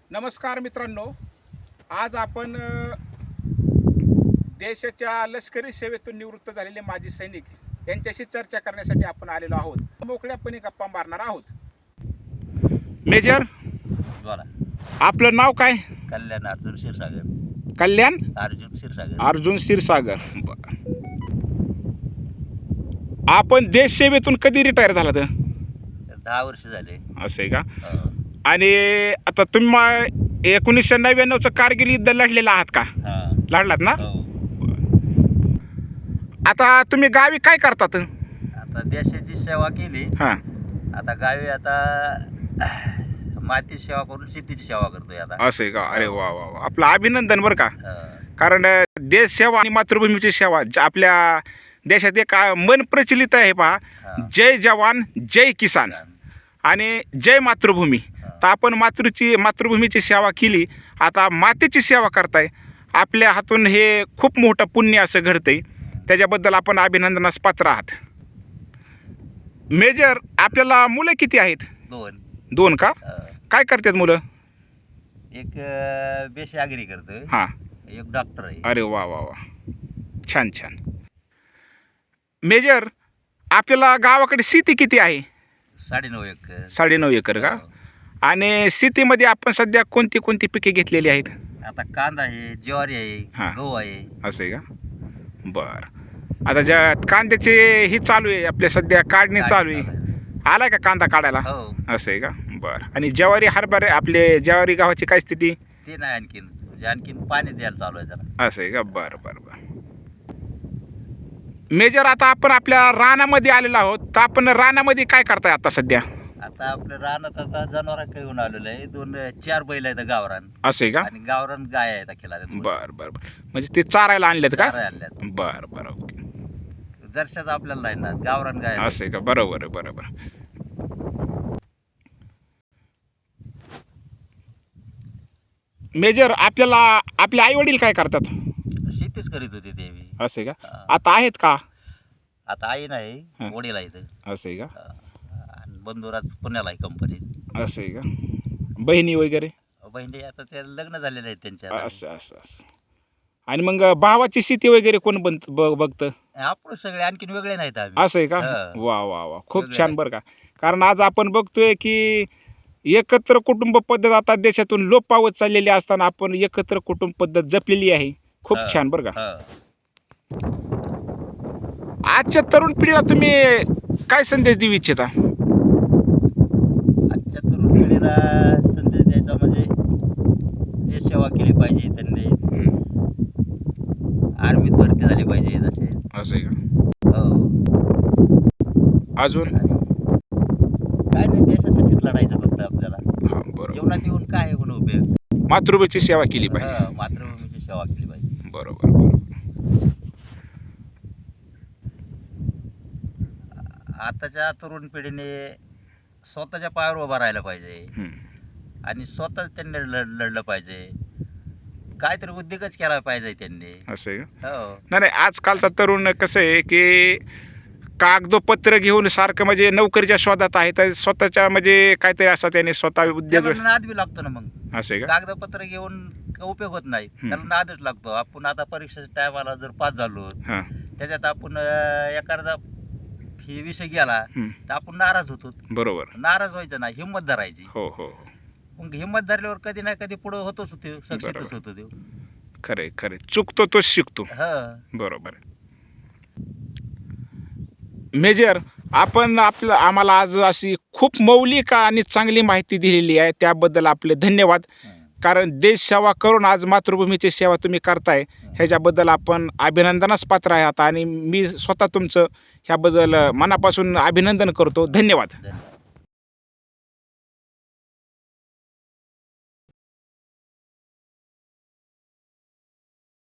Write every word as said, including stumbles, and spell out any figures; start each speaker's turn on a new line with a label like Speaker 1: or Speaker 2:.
Speaker 1: नमस्कार मित्रांनो, आज आपण अ, देशाच्या लष्करी सेवेतून निवृत्त झालेले माजी सैनिक यांच्याशी चर्चा करण्यासाठी आपण आलेलो आहोत. मोकळ्यापणे गप्पा मारणार आहोत. मेजर,
Speaker 2: बोला.
Speaker 1: आपलं नाव काय?
Speaker 2: कल्याण अर्जुन क्षीरसागर.
Speaker 1: कल्याण
Speaker 2: अर्जुन क्षीरसागर.
Speaker 1: अर्जुन क्षीरसागर. बरं. आपण देश सेवेतून कधी रिटायर झाला? तर
Speaker 2: दहा वर्ष झाले.
Speaker 1: असं आहे का?
Speaker 2: हो.
Speaker 1: आणि आता तुम्ही मा- एकोणीसशे नव्याण्णवचं कारगिल युद्ध लढलेलं आहात का?
Speaker 2: हा.
Speaker 1: लढलात ना?
Speaker 2: हो.
Speaker 1: आता तुम्ही गावी काय करतात?
Speaker 2: आता देशाची सेवा केली.
Speaker 1: हां.
Speaker 2: आता गावी आता माती सेवा करून शेतीची सेवा करतोय आता.
Speaker 1: असं आहे का? अरे वा वा वा, आपलं अभिनंदन बरं का.
Speaker 2: हा.
Speaker 1: कारण अ, देश सेवा आणि मातृभूमीची सेवा ज- आपल्या देशात एक अ, मन प्रचलित आहे पहा,
Speaker 2: हा.
Speaker 1: जय जवान जय किसान आणि जय मातृभूमी.
Speaker 2: हा.
Speaker 1: तर आपण मातृची मातृभूमीची सेवा केली, आता मातेची सेवा करताय. आपल्या हातून हे खूप मोठं पुण्य असं घडतंय, त्याच्याबद्दल आपण अभिनंदनास पात्र आहात. मेजर, आपल्याला मुलं किती आहेत?
Speaker 2: दोन.
Speaker 1: दोन का?
Speaker 2: हा.
Speaker 1: काय करतात मुलं?
Speaker 2: एक अं, बेशी आगरी करतोय.
Speaker 1: हां.
Speaker 2: एक डॉक्टर आहे.
Speaker 1: अरे वा वा वा, छान छान. मेजर, आपल्याला गावाकडे शेती किती आहे?
Speaker 2: साडेनऊ एकर.
Speaker 1: साडेनऊ एकर का?
Speaker 2: हो.
Speaker 1: आणि शेतीमध्ये आपण सध्या कोणती कोणती पिके घेतलेली आहेत?
Speaker 2: आता कांदा आहे, ज्वारी
Speaker 1: हा.
Speaker 2: आहे, गहू आहे.
Speaker 1: असं आहे का? बरं. आता ज्या कांद्याचे ही चालू आहे, आपल्या सध्या काढणी चालू आहे. आलाय का कांदा काढायला?
Speaker 2: हो.
Speaker 1: असं आहे का? बरं. आणि ज्वारी हरभरे, आपले ज्वारी गव्हाची काय स्थिती?
Speaker 2: ते नाही आणखीन, म्हणजे आणखीन पाणी द्यायला चालू आहे त्याला.
Speaker 1: असं आहे का? बरं बरं बरं. मेजर, आता आपण आपल्या रानामध्ये आलेलो आहोत, तर आपण रानामध्ये काय करताय आता सध्या?
Speaker 2: आता आपल्या रानात आता जनावर येऊन आलेलं आहे. दोन चार बैल आहेत गावरान
Speaker 1: असं आहे का?
Speaker 2: आणि गावरान गाय आहेत अखिला.
Speaker 1: बरं बरं बरं. म्हणजे ते चारायला आणलेत का?
Speaker 2: आणल्यात.
Speaker 1: बरं बरं, ओके.
Speaker 2: जरशाच आपल्याला नाही ना, गावरान गाय आहेत.
Speaker 1: असं आहे का? बरोबर आहे, बरोबर. मेजर, आपल्याला आपले आई वडील काय करतात?
Speaker 2: शेतीच करीत होती ते बी.
Speaker 1: असं आहे का?
Speaker 2: हा.
Speaker 1: आता आहेत का?
Speaker 2: आता आई नाही,
Speaker 1: हा.
Speaker 2: वडील आहेत.
Speaker 1: असं आहे का?
Speaker 2: हा. आणि बंधुराज पुण्याला आहे कंपनीत.
Speaker 1: असं आहे का? बहिणी वगैरे?
Speaker 2: बहिणी आता ते लग्न झालेले आहेत त्यांच्या आता.
Speaker 1: असं असं असं. आणि मग भावाची शेती वगैरे कोण बन ब- बघतं?
Speaker 2: आपण सगळे आणखीन वेगळे नाहीत आम्ही.
Speaker 1: असं आहे का?
Speaker 2: हा.
Speaker 1: वा वा वा, खूप
Speaker 2: वेगळे
Speaker 1: छान
Speaker 2: आहे.
Speaker 1: बरं का. कारण आज आपण बघतोय की एकत्र कुटुंब पद्धत आता देशातून लोप पावत चाललेली असताना आपण एकत्र कुटुंब पद्धत जपलेली आहे. खूप
Speaker 2: हा.
Speaker 1: छान बरं का.
Speaker 2: हा.
Speaker 1: आजच्या तरुण पिढीला तुम्ही काय संदेश देऊ इच्छिता?
Speaker 2: आजच्या तरुण पिढीला संदेश द्यायचा म्हणजे देश सेवा केली पाहिजे त्यांनी. आर्मीत भरती झाली पाहिजे जसे.
Speaker 1: असं आहे का?
Speaker 2: हो.
Speaker 1: अजून?
Speaker 2: काय नाही, देशासाठीच लढायचं फक्त आपल्याला.
Speaker 1: हा, बरोबर.
Speaker 2: जीवनात येऊन काय आहे म्हणून उपयोग.
Speaker 1: मातृभूमीची सेवा केली पाहिजे.
Speaker 2: हा, मातृभूमीची सेवा केली पाहिजे.
Speaker 1: बरोबर बरोबर.
Speaker 2: आताच्या तरुण पिढीने स्वतःच्या पायावर उभा राहायला पाहिजे
Speaker 1: हम्म.
Speaker 2: आणि स्वतः त्यांनी लढ लढलं पाहिजे. काहीतरी उद्योगच केला पाहिजे त्यांनी.
Speaker 1: असं आहे का?
Speaker 2: हो.
Speaker 1: नाही नाही, आजकालचा तरुण कसं आहे की कागदोपत्र घेऊन सारखं म्हणजे नोकरीच्या शोधात आहे, तर स्वतःच्या म्हणजे काहीतरी असं त्याने स्वतः उद्योग.
Speaker 2: त्याला नाद बी लागतो ना. मग
Speaker 1: असं आहे का?
Speaker 2: कागदपत्र घेऊन काही उपयोग होत नाही. त्याला नादच लागतो. आपण आता परीक्षेच्या टायमाला जर पास झालो,
Speaker 1: हां.
Speaker 2: त्याच्यात आपण अं, एखादा ही विषय गेला
Speaker 1: हम्म.
Speaker 2: तर आपण नाराज होतो.
Speaker 1: बरोबर.
Speaker 2: नाराज व्हायचं नाही, हिंमत धरायची.
Speaker 1: हो हो हो.
Speaker 2: मग हिंमत धरल्यावर कधी ना कधी पुढे होतोच होतो, सक्सेसच
Speaker 1: बरोबर.
Speaker 2: होतो तो.
Speaker 1: खरे खरे, चुकतो तोच शिकतो.
Speaker 2: हा.
Speaker 1: बरोबर. मेजर, आपण आपलं आम्हाला आज अशी खूप मौलिक आणि चांगली माहिती दिलेली आहे, त्याबद्दल आपले धन्यवाद. कारण देश सेवा करून आज मातृभूमीची सेवा तुम्ही करताय, ह्याच्याबद्दल आपण अभिनंदनास पात्र आहात आणि मी स्वतः तुमचं ह्याबद्दल मनापासून अभिनंदन करतो. धन्यवाद.
Speaker 2: धन्यवाद.